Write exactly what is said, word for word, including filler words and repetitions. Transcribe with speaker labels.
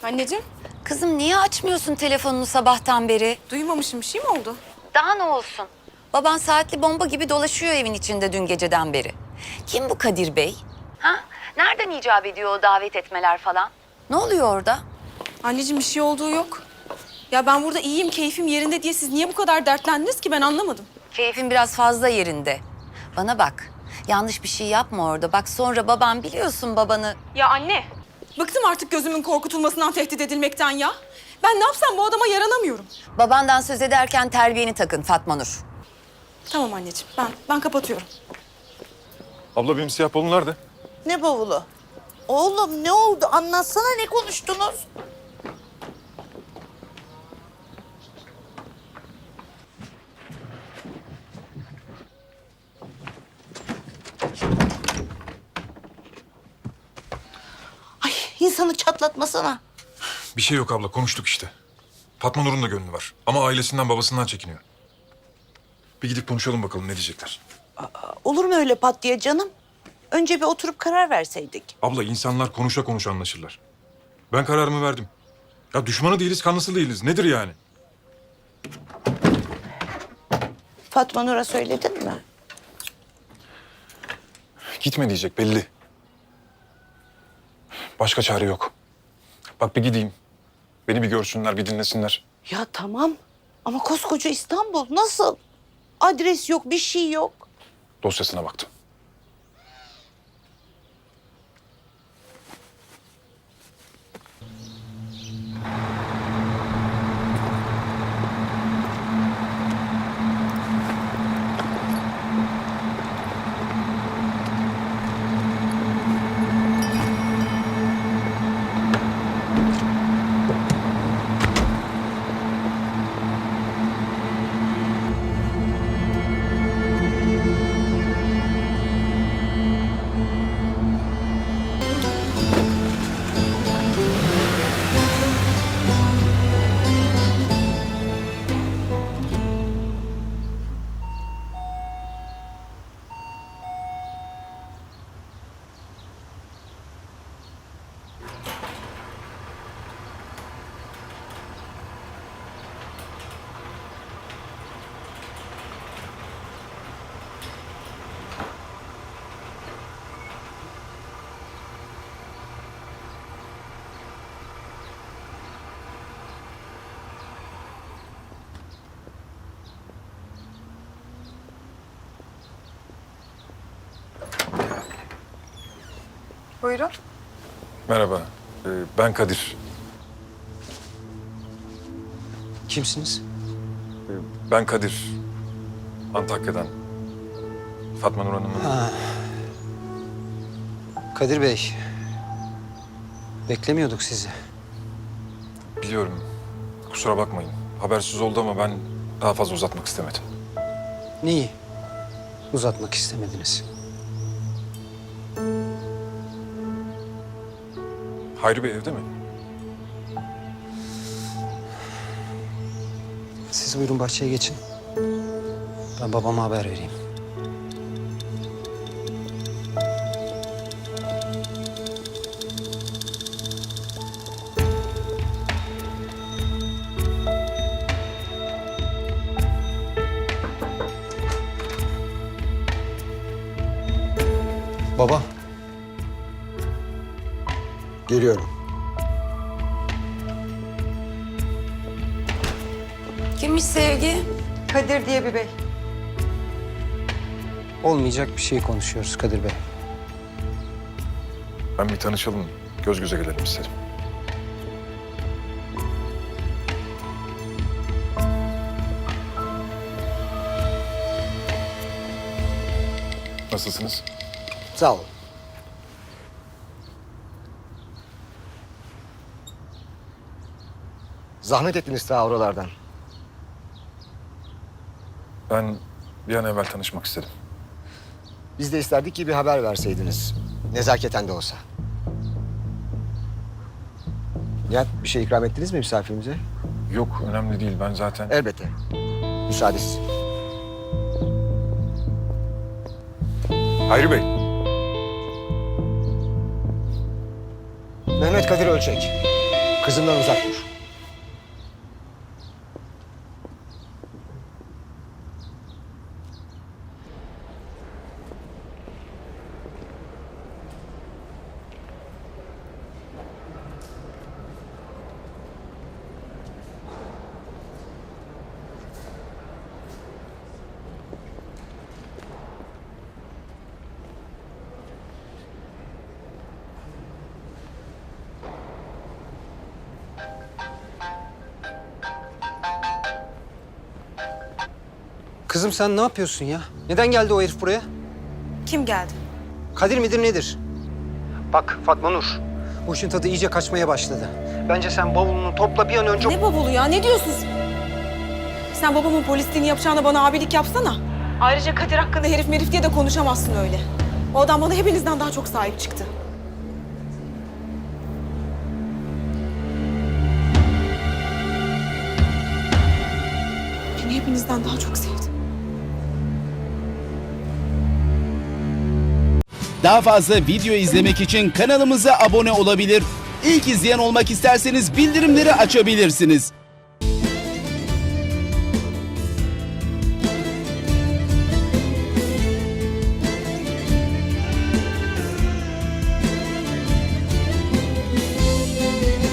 Speaker 1: Anneciğim,
Speaker 2: Kızım niye açmıyorsun telefonunu sabahtan beri?
Speaker 1: duymamışım. Bir şey mi oldu?
Speaker 2: Daha ne olsun? Baban saatli bomba gibi dolaşıyor evin içinde dün geceden beri. Kim bu Kadir Bey? Ha? Nereden icap ediyor o davet etmeler falan? Ne oluyor orada?
Speaker 1: Anneciğim bir şey olduğu yok. Ya ben burada iyiyim, keyfim yerinde diye siz niye bu kadar dertlendiniz ki ben anlamadım.
Speaker 2: Keyfin biraz fazla yerinde. Bana bak. Yanlış bir şey yapma orada. Bak sonra baban biliyorsun babanı.
Speaker 1: Ya anne. Bıktım artık gözümün korkutulmasından, tehdit edilmekten ya. Ben ne yapsam bu adama yaranamıyorum.
Speaker 2: Babandan söz ederken terbiyeni takın Fatma Nur.
Speaker 1: Tamam anneciğim, ben ben kapatıyorum.
Speaker 3: Abla benim siyah balon nerede?
Speaker 4: Ne bavulu? Oğlum ne oldu? Anlatsana, ne konuştunuz? Ay, insanı çatlatmasana.
Speaker 3: Bir şey yok abla, konuştuk işte. Fatma Nur'un da gönlü var ama ailesinden babasından çekiniyor. Bir gidip konuşalım bakalım ne diyecekler.
Speaker 4: Olur mu öyle pat diye canım? Önce bir oturup karar verseydik.
Speaker 3: Abla insanlar konuşa konuşa anlaşırlar. Ben kararımı verdim. Ya düşmanı değiliz, kanlısı değiliz. Nedir yani?
Speaker 4: Fatma Nur'a söyledin mi?
Speaker 3: Gitme diyecek belli. Başka çare yok. Bak bir gideyim. Beni bir görsünler, bir dinlesinler.
Speaker 4: Ya tamam ama koskoca İstanbul nasıl? Adres yok, bir şey yok.
Speaker 3: Dosyasına baktım.
Speaker 1: Buyurun.
Speaker 3: Merhaba, ee, ben Kadir.
Speaker 5: Kimsiniz?
Speaker 3: Ee, Ben Kadir. Antakya'dan. Fatma Nur Hanım'ın...
Speaker 5: Ha. Kadir Bey. Beklemiyorduk sizi.
Speaker 3: Biliyorum. Kusura bakmayın. Habersiz oldu ama ben daha fazla uzatmak istemedim.
Speaker 5: Neyi? Uzatmak istemediniz.
Speaker 3: Hayri Bey evde mi?
Speaker 5: Siz buyurun bahçeye geçin. Ben babama haber vereyim. Baba. Geliyorum.
Speaker 2: Kimmiş Sevgi?
Speaker 6: Kadir diye bir bey.
Speaker 5: Olmayacak bir şey konuşuyoruz Kadir Bey.
Speaker 3: Ben bir tanışalım, göz göze gelelim istedim. Nasılsınız?
Speaker 5: Sağ olun.
Speaker 7: Zahmet ettiniz ta oralardan.
Speaker 3: Ben bir an evvel tanışmak istedim.
Speaker 7: Biz de isterdik ki bir haber verseydiniz. Nezaketen de olsa. Nihat, bir şey ikram ettiniz mi misafirimize?
Speaker 3: Yok, önemli değil. Ben zaten...
Speaker 7: Elbette. Müsaadesiz.
Speaker 3: Hayri Bey,
Speaker 7: Mehmet Kadir Ölçek. Kızımdan uzak dur.
Speaker 5: Kızım sen ne yapıyorsun ya? Neden geldi o herif buraya?
Speaker 1: Kim geldi?
Speaker 5: Kadir midir nedir? Bak Fatma Nur, bu işin tadı iyice kaçmaya başladı. Bence sen bavulunu topla bir an önce...
Speaker 1: Ne bavulu ya? Ne diyorsun sen? Sen babamın polisliğini yapacağına bana abilik yapsana. Ayrıca Kadir hakkında herif merif diye de konuşamazsın öyle. O adam bana hepinizden daha çok sahip çıktı. Beni hepinizden daha çok sevdi.
Speaker 6: Daha fazla video izlemek için kanalımıza abone olabilir. İlk izleyen olmak isterseniz bildirimleri açabilirsiniz.